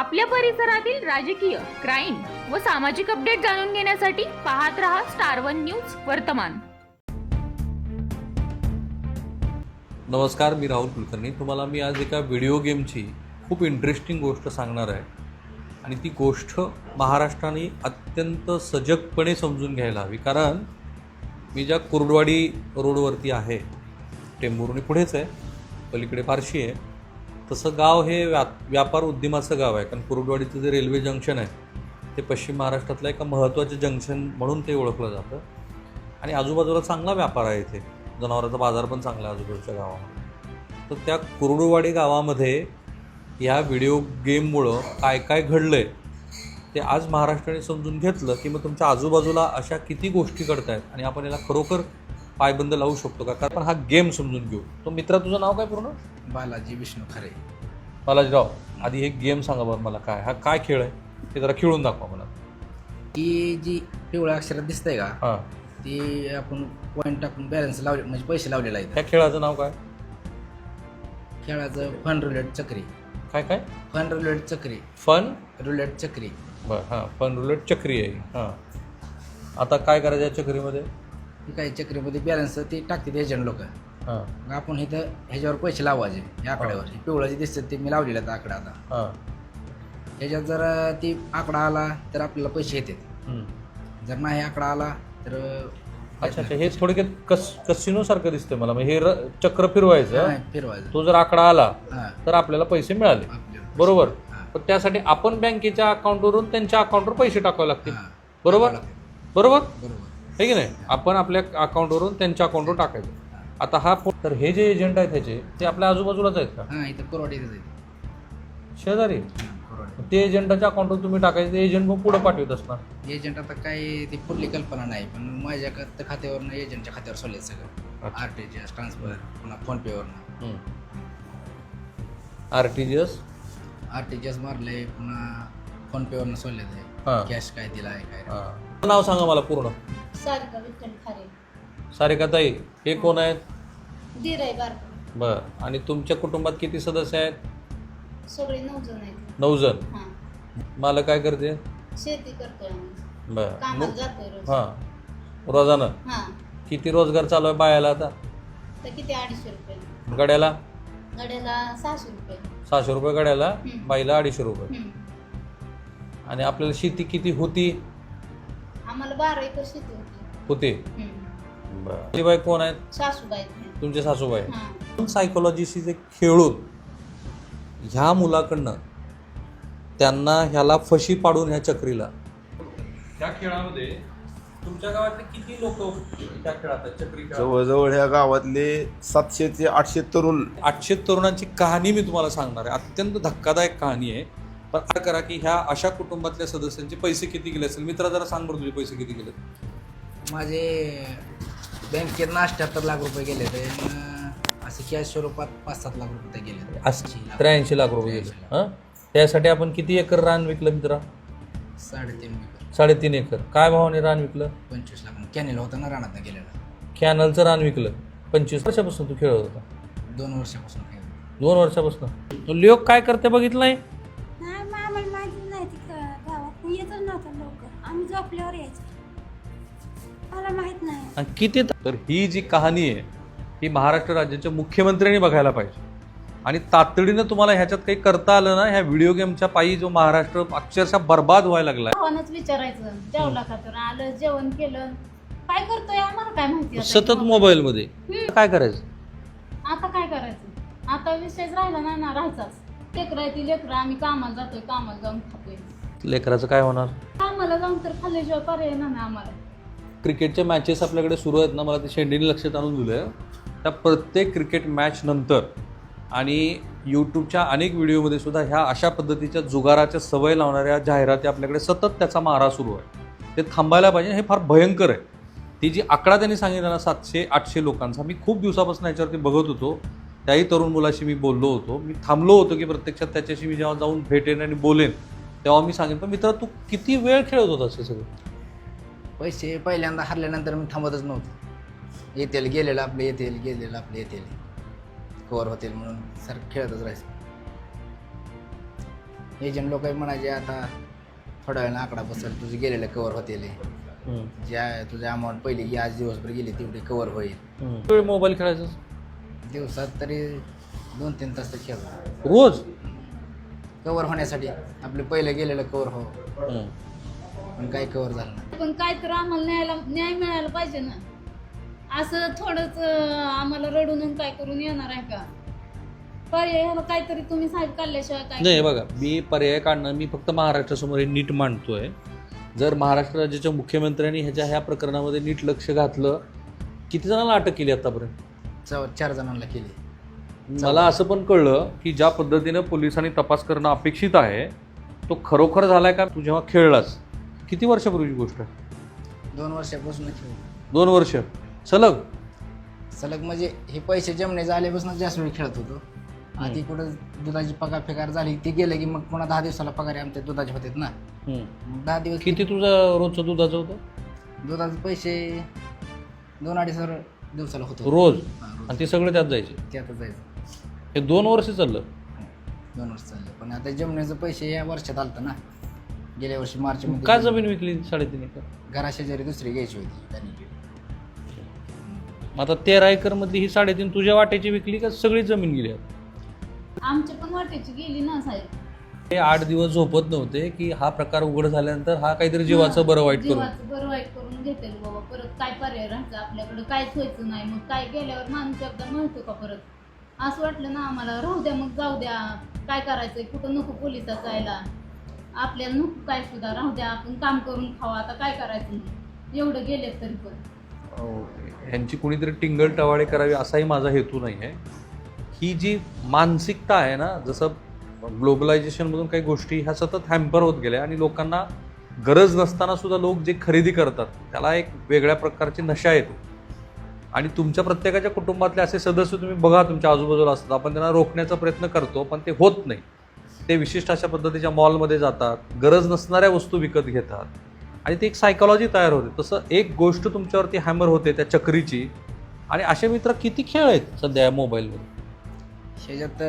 आपल्या परिसरातील राजकीय, क्राईम व सामाजिक अपडेट जाणून घेण्यासाठी पाहत रहा स्टार वन न्यूज वर्तमान. नमस्कार, मी राहुल कुलकर्णी. तुम्हाला मी आज एका व्हिडिओ गेमची खूप इंटरेस्टिंग गोष्ट सांगणार आहे आणि ती गोष्ट महाराष्ट्राने अत्यंत सजगपणे समजून घ्यायला हवी. कारण मी ज्या कुर्डवाडी रोडवरती आहे, टेंभुर्णी पुढेच आहे, पलीकडे फारशी आहे, तसं गाव हे व्यापार उद्यमाचं गाव आहे. कारण कुर्डवाडीचं जे रेल्वे जंक्शन आहे ते पश्चिम महाराष्ट्रातलं एका महत्त्वाचं जंक्शन म्हणून ते ओळखलं जातं आणि आजूबाजूला चांगला व्यापार आहे. इथे जनावरांचा बाजार पण चांगला आहे आजूबाजूच्या गावामध्ये. तर त्या कुर्डुवाडी गावामध्ये या व्हिडिओ गेममुळं काय काय घडलं आहे ते आज महाराष्ट्राने समजून घेतलं की मग तुमच्या आजूबाजूला अशा किती गोष्टी घडत आहेत आणि आपण याला खरोखर पायबंद लावू शकतो का. कारण हा गेम समजून घेऊ. तो मित्रा, तुझं नाव काय पूर्ण? बालाजी विष्णू खरे. बालाजीराव, आधी हे गेम सांगा बरं मला, हा काय खेळ आहे ते जरा खेळून दाखवा मला. ही जी पिवळ्या अक्षरात दिसतंय का, हां, ती आपण पॉईंट टाकून बॅलन्स लावले, म्हणजे पैसे लावलेला आहे. त्या खेळाचं नाव काय? खेळाचं फन रुलेट चक्री. काय काय? फन रुलेट चक्री. फन रुलेट चक्री. बरं, हां, फन रुलेट चक्री आहे. हां, आता काय करायचं या चक्रीमध्ये? ही काही चक्रीमध्ये बॅलन्स ते टाकतात एजंट लोक. हां मग आपण इथं ह्याच्यावर पैसे लावायचे. या आकड्यावर हे पिवळं जे दिसतं ते मी लावलेलं आहे आकडा. आता हां, ह्याच्यात जर ती आकडा आला तर आपल्याला पैसे येतात. जर नाही आकडा आला तर अच्छा अच्छा, हे थोडक्यात कसिनोसारखं दिसतंय मला. मग हे चक्र फिरवायचं, फिरवायचं. तो जर आकडा आला हां, तर आपल्याला पैसे मिळाले, आपल्याला बरोबर. हां, पण त्यासाठी आपण बँकेच्या अकाउंटवरून त्यांच्या अकाउंटवर पैसे टाकावे लागतील, हां, बरोबर बरोबर बरोबर. आहे की नाही? आपण आपल्या अकाउंटवरून त्यांच्या अकाउंटवर टाकायचं. आता हा तर हे जे एजंट आहेत त्याचे ते आपल्या आजूबाजूलाच आहेत का? हां, इथं कोरवाडी शेजारी. ते एजंटाच्या अकाउंटवर तुम्ही टाकायचं, ते एजंट मग पुढे पाठवत असणार. एजंट आता काय ती पुढली कल्पना नाही, पण माझ्या खात्यावरनं एजंटच्या खात्यावर सोडले सगळं. अच्छा. आरटीजीएस ट्रान्सफर, पुन्हा फोनपेवरनं आरटीजीएस मारले, पुन्हा फोनपेवरनं सोडले ते. हां. कॅश काय दिला आहे काय. हां, नाव सांगा मला पूर्ण. सारिका विठ्ठल खारे. सारिकाताई, हे कोण आहेत? दीर आहे बारका. बरं. आणि तुमच्या कुटुंबात किती सदस्य आहेत? सगळे 9 जण आहेत. 9 जण. हां, मला काय करते? शेती करतोय आम्ही. बरं. कामाला जातोय रोज. हां, रोजानं हां, किती रोजगार चालू आहे बायाला आता? तर किती 250 रुपये गड्याला? गड्याला 600 रुपये. 600 रुपये गड्याला, हं. बाईला 250 रुपये. हं. आणि आपल्याला शेती किती होती? आम्हाला 12 एकर शेती होती. होते. बरं. बाई कोण आहेत? सासूबाई आहेत. तुमचे सासूबाई. हां, सायकोलॉजीशी जे खेळून ह्या मुलाकडनं त्यांना ह्याला फशी पाडून ह्या चक्रीला, त्या खेळामध्ये तुमच्या गावातले किती लोक त्या खेळात चक्री खेळात? जवळजवळ ह्या गावातले 700 ते 800 तरुण. 800 तरुणांची कहाणी मी तुम्हाला सांगणार आहे. अत्यंत धक्कादायक कहाणी आहे. पण काय करा की ह्या अशा कुटुंबातल्या सदस्यांचे पैसे किती गेले असेल? मित्रा, जरा सांग बरं, तुझे पैसे किती गेले? माझे बँकेत 78 लाख रुपये गेले ते. असे कॅश स्वरूपात 5-7 लाख रुपये गेले. 83 लाख रुपये गेले. हां, त्यासाठी आपण किती एकर रान विकलं मित्रा? 3.5 एकर. 3.5 एकर. काय भावाने रान विकलं? 25 लाख. कॅनेल होता ना रानात गेलेला. कॅनलचं रान विकलं. 25 वर्षापासून तू खेळत होता? 2 वर्षापासून. 2 वर्षापासून. लोक काय करते बघितलं नाही? नाही, आम्हाला माहिती नाही. गावात येतच नव्हतं लवकर. आम्ही झोपल्यावर यायचं. मला माहित नाही. आणि किती तर ही जी कहाणी आहे ही महाराष्ट्र राज्याच्या मुख्यमंत्र्यांनी बघायला पाहिजे. आणि तातडीनं तुम्हाला ह्याच्यात काही करता आलं ना, ह्या व्हिडिओ गेमच्या पायी जो महाराष्ट्र अक्षरशः बर्बाद व्हायला लागलाय. भावानंच विचारायचं, जेवला का? तर आलं, जेवण केलं, काय करतोय आम्हाला काय माहिती आता. सतत मोबाईलमध्ये काय करायचं? आता काय करायचं? आता विषयच राहिला नाही ना, राहायचाच. लेकरं आहे ती लेकरं, आम्ही कामाला जातोय, कामाला जाऊन खातोय. लेकराचं काय होणार? कामाला जाऊन तर खाल्ल्याशिवाय पर्याय नाही ना आम्हाला. क्रिकेटच्या मॅचेस आपल्याकडे सुरू आहेत ना, मला ते शेंडीने लक्षात आणून दिलं. त्या प्रत्येक क्रिकेट मॅच नंतर आणि यूट्यूबच्या अनेक व्हिडिओमध्ये सुद्धा ह्या अशा पद्धतीच्या जुगाराच्या सवय लावणाऱ्या जाहिराती आपल्याकडे सतत त्याचा मारा सुरू आहे. ते थांबायला पाहिजे. हे फार भयंकर आहे. ती जी आकडा त्यांनी सांगितला ना 700-800 लोकांचा, मी खूप दिवसापासून याच्यावरती बघत होतो. त्याही तरुण मुलाशी मी बोललो होतो. मी थांबलो होतो की प्रत्यक्षात त्याच्याशी मी जेव्हा जाऊन भेटेन आणि बोलेन तेव्हा मी सांगेन. पण मित्रा, तू किती वेळ खेळत होतास हे सगळं? पैसे पहिल्यांदा हरल्यानंतर मी थांबतच नव्हतो. येतील गेलेलं आपले, येतील गेलेलं आपले, येतील कवर होतील म्हणून सर खेळतच राहायचं. एजंट लोक म्हणायचे आता थोड्या वेळानं आकडा बसेल, तुझे गेलेले कवर होतील, ज्या तुझ्या अमाऊंट पहिली आज दिवसभर गेली तेवढी कवर होईल. मोबाईल खेळायचा दिवसात तरी 2-3 तास तर खेळतो रोज. कवर होण्यासाठी. आपले पहिले गेलेलं कवर हो, पण काही कवर झालं नाही. पण काय तर आम्हाला न्याय मिळायला पाहिजे ना. असं थोडंच आम्हाला रडून काय करून येणार आहे का? पर्याय काहीतरी तुम्ही साहेब काढल्याशिवाय काय नाही. बघा, मी पर्याय काढणं, मी फक्त महाराष्ट्रासमोर हे नीट मांडतोय. जर महाराष्ट्र राज्याच्या मुख्यमंत्र्यांनी ह्या प्रकरणामध्ये नीट लक्ष घातलं, किती जणांना अटक केली आतापर्यंत? 4 जणांना केली. मला असं पण कळलं की ज्या पद्धतीनं पोलिसांनी तपास करणं अपेक्षित आहे तो खरोखर झालाय का? तू जेव्हा खेळलास, किती वर्षापूर्वीची गोष्ट आहे? 2 वर्षापासून खेळ. 2 वर्ष सलग. म्हणजे हे पैसे जमणे झाल्यापासून जास्त वेळ खेळत होतो. आधी कुठं दुधाची पगार फेकार झाली ती गेलं की मग पुन्हा 10 दिवसाला पगार आमच्या दुधाचे होते ना. मग 10 दिवस किती तुझा रोजचं दुधाचं होतं? दुधाचे पैसे 2-2.5 हजार दिवसाला होतो रोज. रोज. आणि ते सगळे त्यात जायचे. त्यातच जायचं. हे 2 वर्ष चाललं. 2 वर्ष चालले. पण आता जमण्याचं पैसे या वर्षात आलतं ना. गेल्या वर्षी मार्च मध्ये. का जमीन विकली 3.5 एकर? घराशेजारी दुसरी घ्यायची होती त्यांनी. आता 13 एकर मधली ही 3.5 तुझ्या वाट्याची विकली का सगळी जमीन गेली? आमच्या पण वाटेची गेली ना साहेब. हे 8 दिवस झोपत नव्हते की हा प्रकार उघड झाल्यानंतर हा काहीतरी जीवाचं बरं वाईट करून. जीवाचं बरं वाईट करून घेतेल बाबा. परत काय पर्याय राहायचं आपल्याकडे? काहीच व्हायचं नाही. मग काय गेल्यावर माणूस एकदा मिळतो का परत? असं वाटलं ना आम्हाला, राहू द्या मग, जाऊ द्या, काय करायचंय, कुठं नको पोलिसात जायला, आपल्याला नको काय सुद्धा, राहू द्या, आपण काम करून खावा, आता काय करायचं नाही, एवढं गेले तरी पण. यांची कुणीतरी टिंगल टवाळे करावी असाही माझा हेतू नाही आहे. ही जी मानसिकता आहे ना, जसं ग्लोबलायझेशनमधून काही गोष्टी ह्या सतत हॅम्पर होत गेल्या आणि लोकांना गरज नसताना सुद्धा लोक जे खरेदी करतात त्याला एक वेगळ्या प्रकारची नशा येते. आणि तुमच्या प्रत्येकाच्या कुटुंबातले असे सदस्य तुम्ही बघा तुमच्या आजूबाजूला असतात, आपण त्यांना रोखण्याचा प्रयत्न करतो पण ते होत नाही. ते विशिष्ट अशा पद्धतीच्या मॉलमध्ये जातात, गरज नसणाऱ्या वस्तू विकत घेतात आणि ती एक सायकॉलॉजी तयार होते. तसं एक गोष्ट तुमच्यावरती हॅमर होते त्या चक्रीची. आणि असे मित्र किती खेळ आहेत सध्या या मोबाईलमध्ये. ह्याच्यात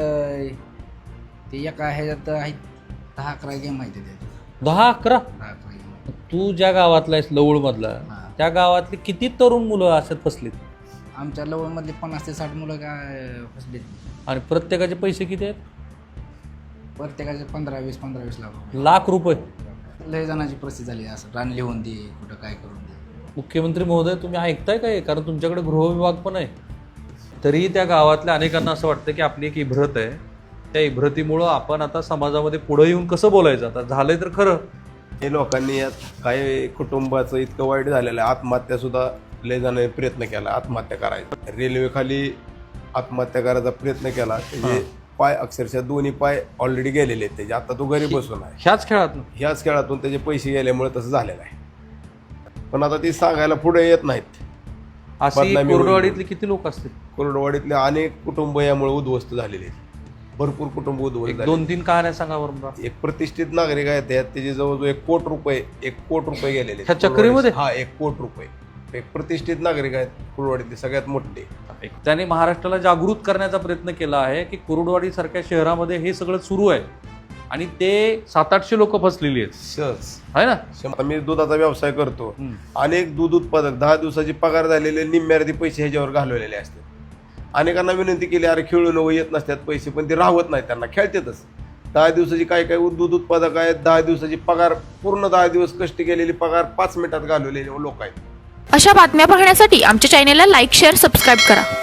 ते एका ह्याच्यात आहेत 10-11 गेम आहेत त्याच्यात. 10-11? 10-11 गेम. तू ज्या गावातला आहेस लवळमधला, त्या गावातली किती तरुण मुलं अशात फसलीत? आमच्या लवळमधली 50 ते 60 मुलं काय फसलेत. आणि प्रत्येकाचे पैसे किती आहेत? प्रत्येकाचे 15-20 लाख. लाख रुपये. लय जणांची परिस्थिती झाली असं, रान लिहून दे, कुठं काय करून दे. मुख्यमंत्री महोदय, तुम्ही ऐकताय काय? कारण तुमच्याकडे गृहविभाग पण आहे. तरीही त्या गावातल्या अनेकांना असं वाटतं की आपली एक इभ्रत आहे, त्या इभ्रतीमुळं आपण आता समाजामध्ये पुढे येऊन कसं बोलायचं. आता झालंय तर खरं. हे लोकांनी यात काही कुटुंबाचं इतकं वाईट झालेलं आहे, आत्महत्यासुद्धा लय जणांनी प्रयत्न केला आत्महत्या करायचा. रेल्वेखाली आत्महत्या करायचा प्रयत्न केला, त्याचे पाय अक्षरशः दोन्ही पाय ऑलरेडी गेलेले आहेत त्याचे. आता तो घरी बसून आहे. ह्याच खेळातून त्याचे पैसे गेल्यामुळे तसं झालेलं आहे. पण आता ती सांगायला पुढे येत नाहीत. अशी कोरडवाडीतले किती लोक असतील? कोरडवाडीतले अनेक कुटुंब यामुळे उद्ध्वस्त झालेले आहेत. भरपूर कुटुंब उद्ध्वस्त झाले. 2-3 कहाण्या सांगा बरं. एक प्रतिष्ठित नागरिक आहेत त्याचे जवळजवळ 1 कोटी रुपये गेलेले ह्या चक्रीमध्ये. हा 1 कोटी रुपये. एक प्रतिष्ठित नागरिक आहेत कुरुडवाडीतले सगळ्यात मोठे. त्याने महाराष्ट्राला जागृत करण्याचा प्रयत्न केला आहे की कुरुडवाडी सारख्या शहरामध्ये हे सगळं सुरू आहे आणि ते 700-800 लोक फसलेली आहेत. सहज आहे ना. मी दुधाचा व्यवसाय करतो. अनेक दूध उत्पादक 10 दिवसाची पगार झालेले निम्म्यार्धी पैसे ह्याच्यावर घालवलेले असतात. अनेकांना विनंती केली, अरे खेळून येत नसतात पैसे, पण ते राहत नाही, त्यांना खेळतातच. 10 दिवसाची काय दूध उत्पादक आहेत, 10 दिवसाची पगार, पूर्ण 10 दिवस कष्ट केलेली पगार 5 मिनिटात घालवलेले लोक आहेत. अशा बातम्या पाहण्यासाठी आमच्या चॅनेलला लाईक, शेअर, सबस्क्राईब करा.